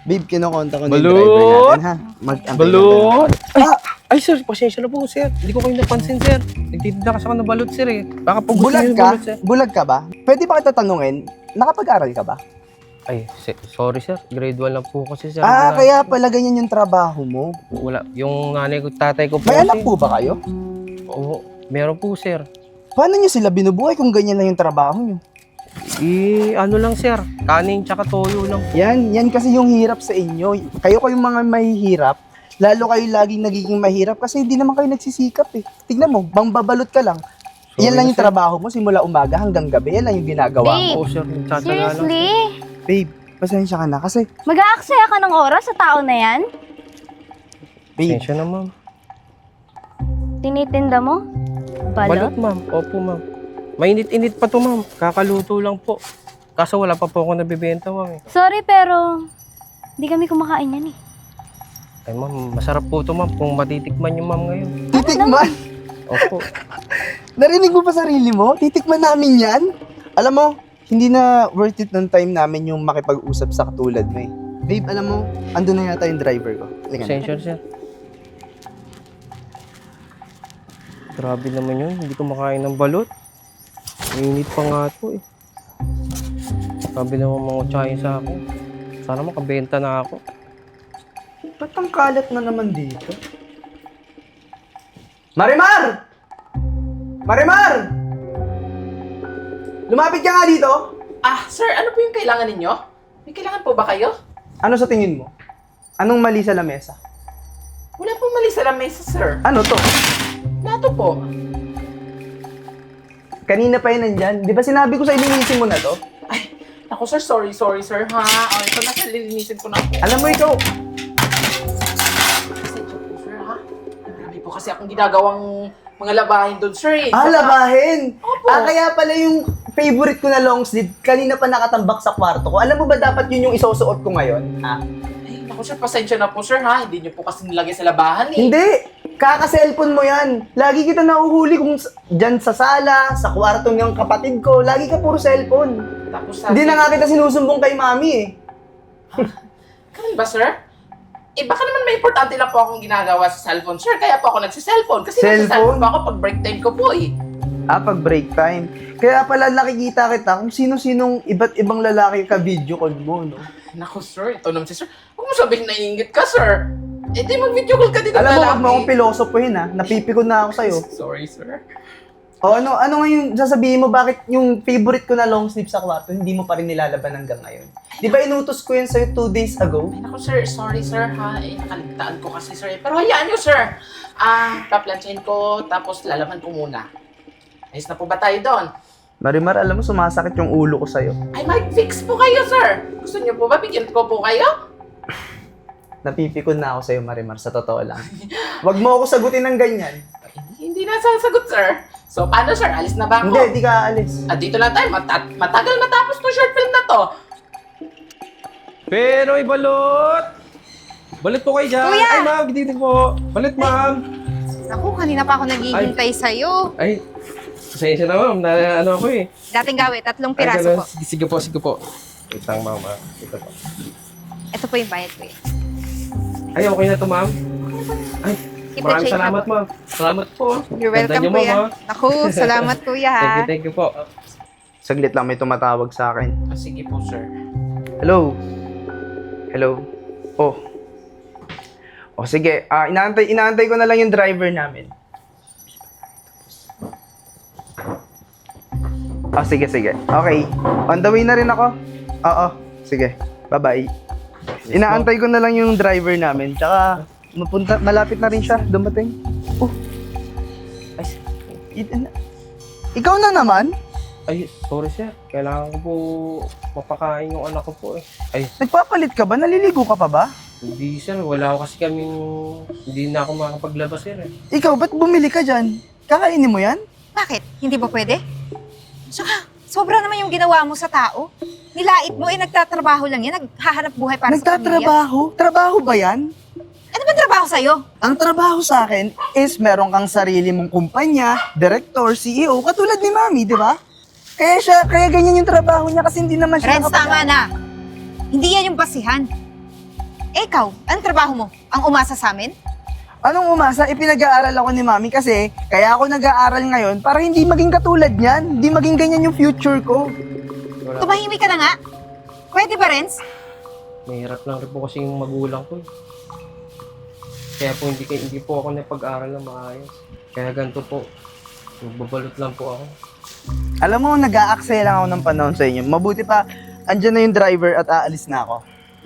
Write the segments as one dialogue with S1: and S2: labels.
S1: Babe, kinokonta ko na yung
S2: Balot!
S1: driver natin, ha? Mag-antay
S2: Balot!
S1: lang tayo.
S2: Ay, sir, pasensya na po, sir. Hindi ko kayo napansin, sir. Nagtitinda kasi ako ng balot, sir, eh. Baka po gusto
S1: Bulag
S2: niyo yung
S1: ka?
S2: balot, sir.
S1: Bulag ka ba? Pwede ba kita tanungin, nakapag-aral ka ba?
S2: Ay, sorry, sir. Grade 1 lang po kasi, sir.
S1: Kaya pala ganyan yung trabaho mo.
S2: Wala. Yung nanay ko, tatay ko po
S1: May
S2: kasi.
S1: anak po ba kayo?
S2: Oo, meron po, sir.
S1: Paano nyo sila binubuhay kung ganyan lang yung trabaho nyo?
S2: Ano lang, sir. Kanin tsaka toyo lang.
S1: Yan kasi yung hirap sa inyo. Kayo kayong mga mahihirap, lalo kayo laging nagiging mahirap kasi hindi naman kayo nagsisikap eh. Tignan mo, bangbabalot ka lang.
S2: Sorry
S1: Yan lang
S2: na,
S1: yung
S2: sir.
S1: trabaho mo simula umaga hanggang gabi. Yan lang yung ginagawa mo.
S2: Oo, sir. Nagtsatsaga lang.
S3: Seriously?
S1: Babe, pasensya ka na kasi,
S3: Mag-aaksaya ka ng oras sa tao na yan?
S1: babe,
S2: Pasensya na, ma'am.
S3: Tinitinda mo?
S2: Balot,
S3: Balot?
S2: ma'am. Opo, ma'am. Mainit-init pa to, ma'am. Kakaluto lang po. Kaso wala pa po ako nabibenta, ma'am.
S3: Sorry pero hindi kami kumakain yan eh.
S2: Ay, ma'am, masarap po to, ma'am. Kung matitikman niyo, ma'am, ngayon.
S1: titikman.
S2: Opo.
S1: Narinig mo pa sarili mo? Titikman namin yan? Alam mo, hindi na worth it ng time namin yung makipag-usap sa katulad mo eh. Babe, alam mo, andun na yata yung driver ko. Halika na.
S2: Pasensya, sir. Grabe naman yun. Hindi ko makain ng balot. Mainit pa nga to, eh. Sabi naman mga utsahin sa akin. Sana makabenta na ako.
S1: Ba't ang kalat na naman dito? Marimar! Marimar! Lumapit ka nga dito.
S4: Sir, ano po yung kailangan ninyo? May kailangan po ba kayo?
S1: Ano sa tingin mo? Anong mali sa lamesa?
S4: Wala pong mali sa lamesa, sir.
S1: Ano to?
S4: Plato po.
S1: Kanina pa yun nandyan. Di ba sinabi ko sa ilinisin mo na to?
S4: Ay, ako sir, sorry, sir, ha? Ito na, sir, lilinisin ko na po.
S1: Alam mo ikaw,
S4: Pasensya po, sir, ha? Marami po kasi akong ginagawang mga labahin doon, sir, eh.
S1: labahin!
S4: Opo.
S1: Kaya pala yung favorite ko na long sleeve, kanina pa nakatambak sa kwarto ko. Alam mo ba dapat yun yung isusuot ko ngayon? Ha?
S4: Ay, naku, sir, pasensya na po, sir, ha? Hindi niyo po kasi nilagay sa labahan, eh.
S1: Hindi! Kaka-cellphone mo yan. Lagi kita nahuhuli kung dyan sa sala, sa kwarto ng kapatid ko. Lagi ka puro cellphone.
S4: Tapos
S1: Hindi na nga kita sinusumbong kay mami eh.
S4: Ganun ba, sir? Baka naman may importante lang po akong ginagawa sa cellphone, sir. Kaya po ako nagsiselfone. Kasi
S1: Cellphone?
S4: nagsiselfone po ako pag break time ko po, eh.
S1: Pag break time. Kaya pala nakikita kita kung sino-sinong iba't ibang lalaki ka video call mo, no?
S4: Naku, sir. Ito naman si sir. Huwag mo sabihin na iingit ka, sir. Di mag-video call ka din ng
S1: Alam mo,
S4: lalaki.
S1: wag mo akong pilosopohin ha. Napipikon na ako sa'yo.
S4: Sorry, sir.
S1: O ano nga yung sasabihin mo, bakit yung favorite ko na long sleeve sa kwarto, hindi mo pa rin nilalaban hanggang ngayon? Di ba inutos ko yan sa'yo 2 days ago?
S4: Ay, naku, sir. Sorry, sir, ha? Nakaligtaan ko kasi, sir. Pero hayaan nyo, sir. Paplansyahin ko, tapos lalaman ko muna. Ayos na po ba tayo doon?
S1: Marimar, alam mo, sumasakit yung ulo ko sa'yo.
S4: Ay, mag-fix po kayo, sir. Gusto nyo po ba? Bigyan ko po kayo?
S1: Napipikon na ako sa'yo, Marimar, sa totoo lang. Wag mo ako sagutin ng ganyan.
S4: Ay, hindi na sasagot, sir. So, paano, sir? Alis na ba ako?
S1: Hindi, di ka aalis.
S4: Dito lang tayo. Matagal matapos to short film na to.
S2: Pero balot! Balot po kayo dyan.
S5: Kuya!
S2: Ay, ma'am, dito po. Balot, ma'am.
S5: Naku, kanina pa ako naghihintay sa'yo.
S2: Ay, pasensya na, ma'am. Na, ano ako eh.
S5: Dating gawi, 3
S2: Ay,
S5: piraso
S2: ganun.
S5: po.
S2: Sige po, sige po. Wait lang, ma'am. Ito po.
S5: Ito po yung bayad ko eh.
S2: Ay, okay na to, ma'am. Ay,
S5: Keep the
S2: maraming
S5: change
S2: salamat,
S5: na po.
S2: ma'am. Salamat po.
S5: You're
S2: Ganda
S5: welcome,
S2: niyo, ma'am,
S5: kuya.
S2: ha?
S5: Naku, salamat kuya ha.
S2: Thank you po.
S1: Saglit lang, may tumatawag sa akin.
S4: Sige po, sir.
S1: Hello? Hello? Oh. Oh, sige. Inaantay ko na lang yung driver namin. Oh, sige, sige. Okay. On the way na rin ako. Oo. Sige. Bye-bye. Inaantay ko na lang yung driver namin. Tsaka, malapit na rin siya. Dumating. Oh. Ay, ikaw na naman?
S2: Ay, sorry, sir. Kailangan ko po mapakain yung anak ko po eh. Ay,
S1: Nagpapalit ka ba? Naliligo ka pa ba?
S2: hindi, sir. Wala ako kasi kaming... Hindi na ako makapaglabas, sir eh.
S1: Ikaw, ba't bumili ka dyan? Kakainin mo yan?
S5: Bakit? Hindi ba pwede? Saka, sobra naman yung ginawa mo sa tao. Nilait mo eh, nagtatrabaho lang yan. Naghahanap buhay para sa pamilya.
S1: Nagtatrabaho? Trabaho ba yan?
S5: Ano ba trabaho sa'yo?
S1: Ang trabaho sa akin is meron kang sarili mong kumpanya, director, CEO, katulad ni Mami, di ba? Kaya ganyan yung trabaho niya kasi hindi naman siya
S5: Renz, tama na. Hindi yan yung basihan. Eh, ikaw, anong trabaho mo? Ang umasa sa amin?
S1: Anong umasa? Ipinag-aaral ako ni Mami kasi kaya ako nag-aaral ngayon para hindi maging katulad niyan. Hindi maging ganyan yung future ko.
S2: Wala.
S5: Tumahimik ka na nga. Pwede ba, Renz?
S2: Mahirap lang rin po kasi yung magulang ko. Kaya po hindi po ako napag-aral na maayos. Kaya ganito po. Magbabalot lang po ako.
S1: Alam mo, nag-aaksaya lang ako ng panahon sa inyo. Mabuti pa, andyan na yung driver at aalis na ako.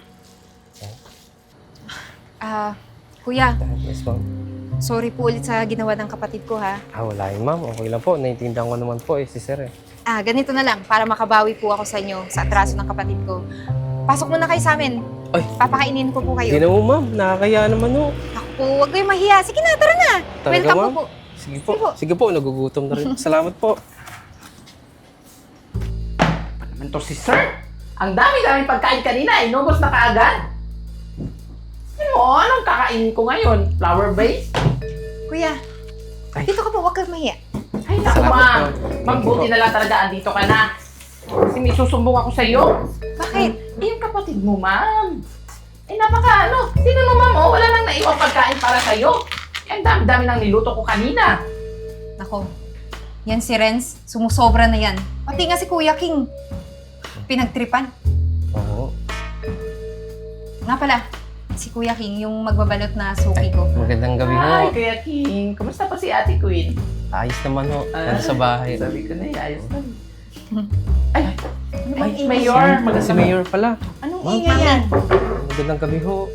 S5: Kuya,
S2: Yes, ma'am.
S5: sorry po ulit sa ginawa ng kapatid ko, ha?
S2: Wala yun, ma'am. Okay lang po. Naiintindihan ko naman po si sir eh.
S5: Ganito na lang, para makabawi po ako sa inyo sa atraso ng kapatid ko. Pasok muna kayo sa amin.
S2: Ay.
S5: Papakainin ko po
S2: Hindi
S5: kayo.
S2: na po, ma'am. Nakakaya naman po.
S5: Ako po, huwag kayong mahiya. Sige na, tara na.
S2: Talaga,
S5: Welcome
S2: ma'am?
S5: po.
S2: Sige po. Sige po, nagugutom na rin. Salamat po.
S4: Naman to si sir. Ang dami-dami pagkain kanina, inubos na kaagad. Ano, anong kakainin ko ngayon? Flower base?
S5: Kuya,
S2: Ay.
S5: dito ka po, huwag kang mahiya.
S4: Ay, naku
S2: Salamat
S4: ma'am.
S2: po.
S4: Magbuti na lang talaga andito ka na. Kasi may susumbong ako sa'yo.
S5: Bakit?
S4: Eh, yung kapatid mo, ma'am. Eh, napaka ano. Sino mo, ma'am? Oh, wala nang naiwang pagkain para sa'yo. Eh, ang dami-dami nang niluto ko kanina.
S5: Nako, yan si Renz, sumusobra na yan. Pati nga si Kuya King, pinagtripan.
S2: Oo.
S5: Nga pala, si Kuya King, yung magbabalot na suki ko.
S2: Magandang gabi ho.
S4: Ay, Kuya King. Kumusta pa si Ate Queen?
S2: Ayos naman ho. Nasa bahay.
S4: Sabi ko na, ayos na.
S5: Ay,
S4: Ay, Mayor.
S2: Si Mayor pala.
S5: anong
S2: Ma'am?
S5: ingay yan?
S2: Magandang gabi ho.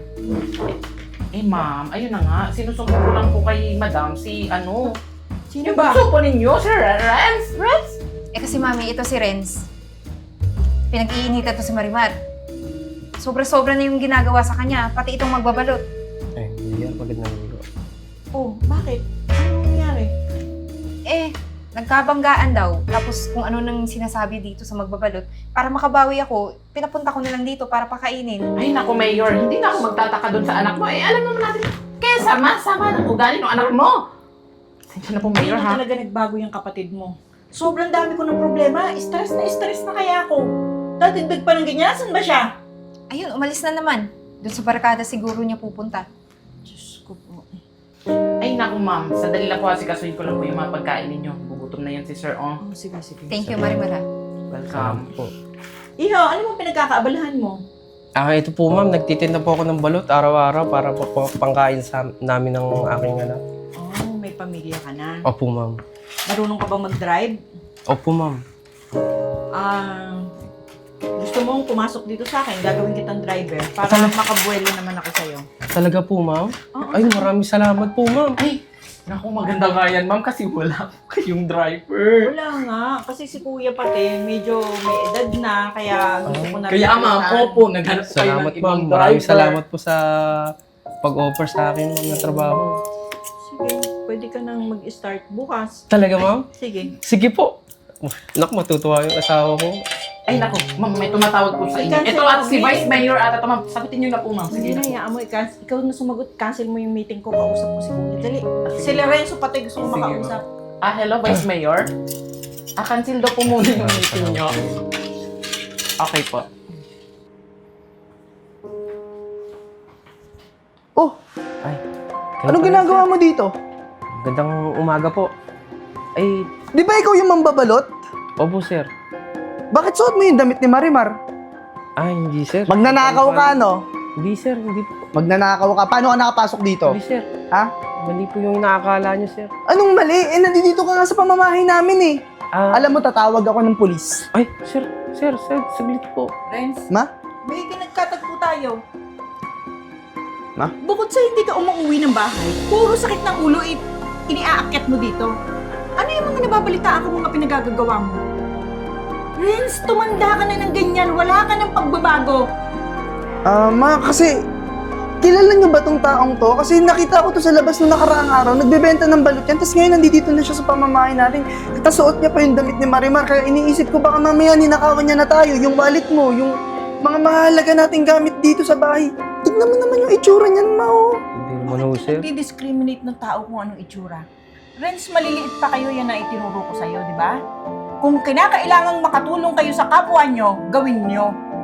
S4: Eh, ma'am, ayun na nga. Sinusumbong ko lang po kay Madam si ano.
S5: Sino
S4: Yung bunso po ninyo, Sir Renz.
S5: Eh kasi mami, ito si Renz. Pinag-iinitan to si Marimar. Sobra-sobra na yung ginagawa sa kanya, pati itong magbabalot.
S2: Ay, hindi yan. Magandang gabi ho.
S6: Oh, bakit? Ano nangyari?
S5: Eh, nagkabanggaan daw. Tapos kung ano nang sinasabi dito sa magbabalot, para makabawi ako, pinapunta ko na lang dito para pakainin.
S4: Ay, naku, Mayor. Hindi na ako magtataka doon sa anak mo. Eh, alam naman natin. Kaya sama-sama ng ugali ng anak mo. Sensya na po,
S6: Hindi
S4: Mayor,
S6: na
S4: ha?
S6: talaga nagbago yung kapatid mo. Sobrang dami ko ng problema. Stress na kaya ako. Dadagdag pa ng ganyan. Saan ba siya?
S5: Ayun, umalis na naman. Doon sa barkada siguro niya pupunta.
S6: Diyos ko po.
S4: Ay, naku, ma'am. Sandali lang po, kasuhin ko lang po yung mga pagkain ninyo. Gugutom na yan si Sir, oh.
S6: Oh, sige.
S5: Thank you, Marimar.
S4: Welcome.
S2: po.
S6: Iho, ano bang pinagkakaabalahan mo?
S2: Ito po ma'am. Nagtitinda po ako ng balot araw-araw para po pangkain namin ng aking anak.
S6: Oh, may pamilya ka na.
S2: Opo ma'am.
S6: Marunong ka bang mag-drive?
S2: Opo ma'am.
S6: Gusto mong pumasok dito sa akin, gagawin kitang driver para makabuelo naman ako sa'yo.
S2: Talaga po ma'am?
S6: Oo.
S2: Ay, maraming salamat po ma'am.
S4: Ay, naku, maganda nga yan, ma'am, kasi wala po kayong driver.
S6: Wala nga, kasi si kuya pati medyo may edad na, kaya gusto ko na
S4: Kaya,
S6: rin
S4: ma'am,
S6: puntahan.
S4: opo, naghanap po kayo
S2: Salamat
S4: ng ibang
S2: ma'am.
S4: driver.
S2: Maraming salamat po sa pag-offer sa akin ma'am ng trabaho.
S6: Sige, pwede ka nang mag-start bukas.
S2: Talaga ma'am?
S6: Sige.
S2: Sige po. Naku, matutuwa yung asawa ko.
S4: Ay, naku, ma'am, may tumatawag po sa inyo.
S6: I-cancel
S4: Ito at
S6: mo,
S4: si
S6: Vic.
S4: Vice Mayor at ito, ma'am, sagutin niyo na po, ma'am.
S6: Sige
S4: Sige
S6: na,
S4: na.
S6: hayaan mo. Ikaw na sumagot. Cancel mo yung meeting ko. Kausap ko si Kuya. Dali. Si Lorenzo pati gusto ko
S4: Sige,
S6: makausap.
S4: Hello, Vice Mayor. Cancel daw po muna yung meeting niyo. Okay po.
S1: Oh,
S2: Ay.
S1: anong ginagawa mo dito?
S2: Gandang umaga po. Ay,
S1: Di ba ikaw yung mambabalot?
S2: opo sir.
S1: Bakit suot mo yung damit ni Marimar?
S2: Hindi sir.
S1: Magnanakaw ka, no?
S2: Hindi sir, hindi po.
S1: Magnanakaw ka. Paano ka nakapasok dito?
S2: Hindi sir.
S1: Ha?
S2: Mali po yung nakakala niyo sir.
S1: Anong mali? Eh, nandito ka nga sa pamamahay namin eh.
S2: Alam.
S1: Alam mo, tatawag ako ng pulis.
S2: Ay, sir, saglit po.
S6: Renz,
S1: Ma?
S6: may nagkatagpo tayo.
S1: Ma?
S6: Bukod sa hindi ka umuwi ng bahay, puro sakit ng ulo iniaakyat mo dito. Ano yung mga nababalitaan ko mga pinagagagawa mo? Renz, tumanda ka na ng ganyan. Wala ka ng pagbabago.
S1: Ma, kasi kilala niyo ba tong taong to? Kasi nakita ko to sa labas nung nakaraang araw, nagbebenta ng balut yan, tapos ngayon nandito na siya sa pamamahay natin. Tapos suot niya pa yung damit ni Marimar, kaya iniisip ko baka mamaya ninakawan niya na tayo, yung wallet mo, yung mga mahalaga nating gamit dito sa bahay. Tignan mo naman yung itsura niyan, Ma, oh.
S2: Hindi naman ho sir.
S6: Di-discriminate ng tao kung anong itsura. Renz, maliliit pa kayo, yan na itinuro ko sa'yo, di ba? Kung kinakailangang makatulong kayo sa kapwa nyo, gawin nyo.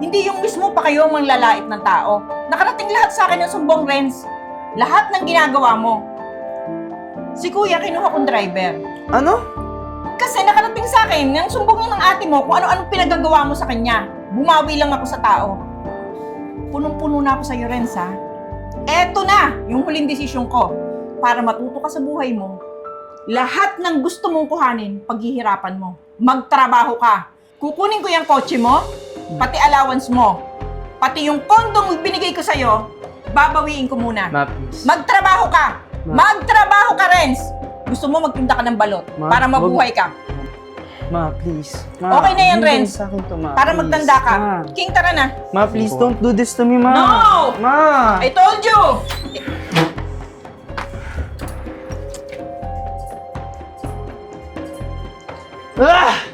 S6: Hindi yung mismo pa kayo manglalait ng tao. Nakarating lahat sa akin ng sumbong, Renz. Lahat ng ginagawa mo. Si Kuya, kinuha kong driver.
S1: Ano?
S6: Kasi nakarating sa akin ng sumbong ng ate mo kung ano-anong pinagagawa mo sa kanya. Bumawi lang ako sa tao. Punong-puno na ako sa'yo, Renz, ha? Eto na yung huling desisyon ko. Para matuto ka sa buhay mo, lahat ng gusto mong kuhanin, paghihirapan mo. Magtrabaho ka. Kukunin ko yung kotse mo, pati allowance mo, pati yung kondong binigay ko sa'yo, babawiin ko muna.
S1: Ma, please.
S6: Magtrabaho ka! Magtrabaho ka, Renz! Gusto mo magtinda ka ng balot
S1: Ma,
S6: para mabuhay ka.
S1: Ma, please. Ma,
S6: Okay na yan,
S1: hindi
S6: Renz.
S1: sa akin to, Ma.
S6: Para
S1: Please.
S6: magtanda ka.
S1: Ma.
S6: King, tara na.
S1: Ma, please don't do this to me, Ma.
S6: No!
S1: Ma!
S6: I told you!
S1: Ah!